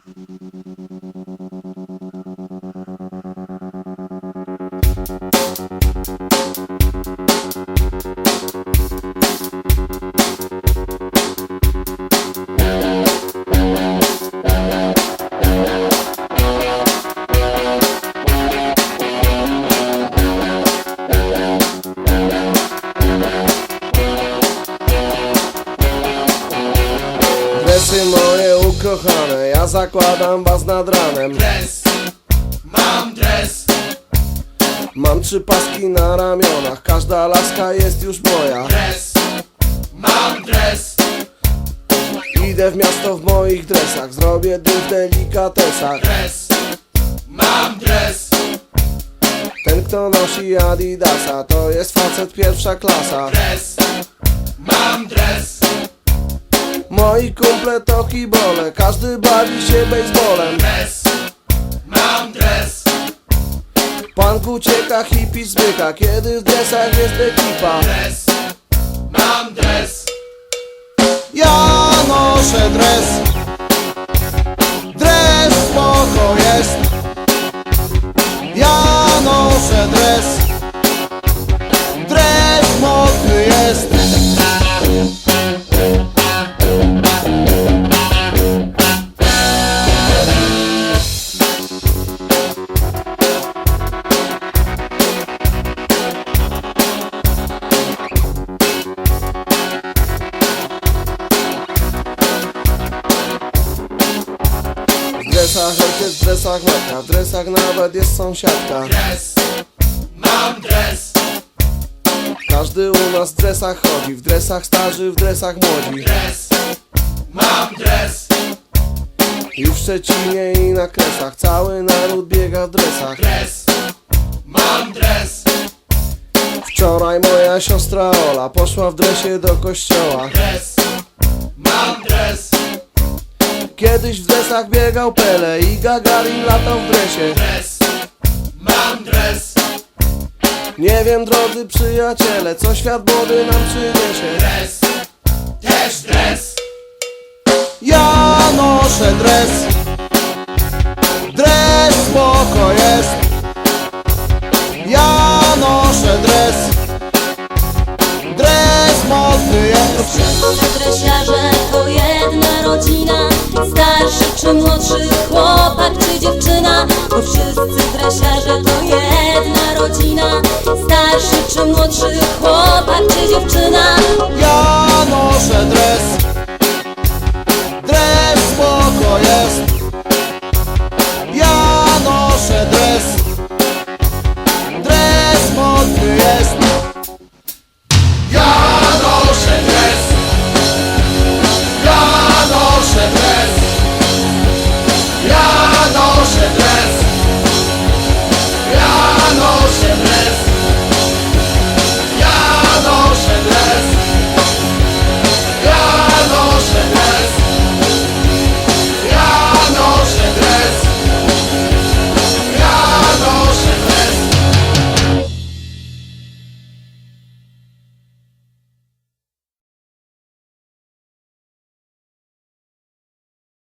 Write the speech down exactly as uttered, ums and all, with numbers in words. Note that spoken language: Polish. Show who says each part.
Speaker 1: Dresy moje ukochane, ja zakładam was nad ranem.
Speaker 2: Dres, mam dres.
Speaker 1: Mam trzy paski na ramionach, każda laska jest już moja.
Speaker 2: Dres, mam dres.
Speaker 1: Idę w miasto w moich dresach, zrobię dym w delikatesach.
Speaker 2: Dres, mam dres.
Speaker 1: Ten kto nosi Adidasa, to jest facet pierwsza klasa.
Speaker 2: Dres, mam dres.
Speaker 1: Moi kumple to kibole, każdy bawi się baseballem.
Speaker 2: Dres, mam dres.
Speaker 1: Punk ucieka, hippie zbyka, kiedy w dresach jest ekipa.
Speaker 2: Dres, mam dres.
Speaker 1: Ja noszę dres. Dres spoko jest. Ja noszę dres. Dres modny jest. W dresach ojciec, w dresach matka, w dresach nawet jest sąsiadka.
Speaker 2: Dres, mam dres.
Speaker 1: Każdy u nas w dresach chodzi, w dresach starzy, w dresach młodzi.
Speaker 2: Dres, mam dres.
Speaker 1: I w Szczecinie i na Kresach cały naród biega w dresach.
Speaker 2: Dres, mam dres.
Speaker 1: Wczoraj moja siostra Ola poszła w dresie do kościoła.
Speaker 2: Dres, mam dres.
Speaker 1: Kiedyś w dresach biegał Pele i Gagarin latał w dresie.
Speaker 2: Dres, mam dres.
Speaker 1: Nie wiem, drodzy przyjaciele, co świat młody nam przyniesie.
Speaker 2: Dres, też dres.
Speaker 1: Ja noszę dres. Dres spoko jest. Ja noszę dres. Dres modny jest.
Speaker 3: Wszyscy dresiarze to jedna rodzina, starszy czy młodszy chłopak czy dziewczyna. Bo wszyscy dresiarze to jedna rodzina, starszy czy młodszy chłopak czy dziewczyna.
Speaker 1: Ja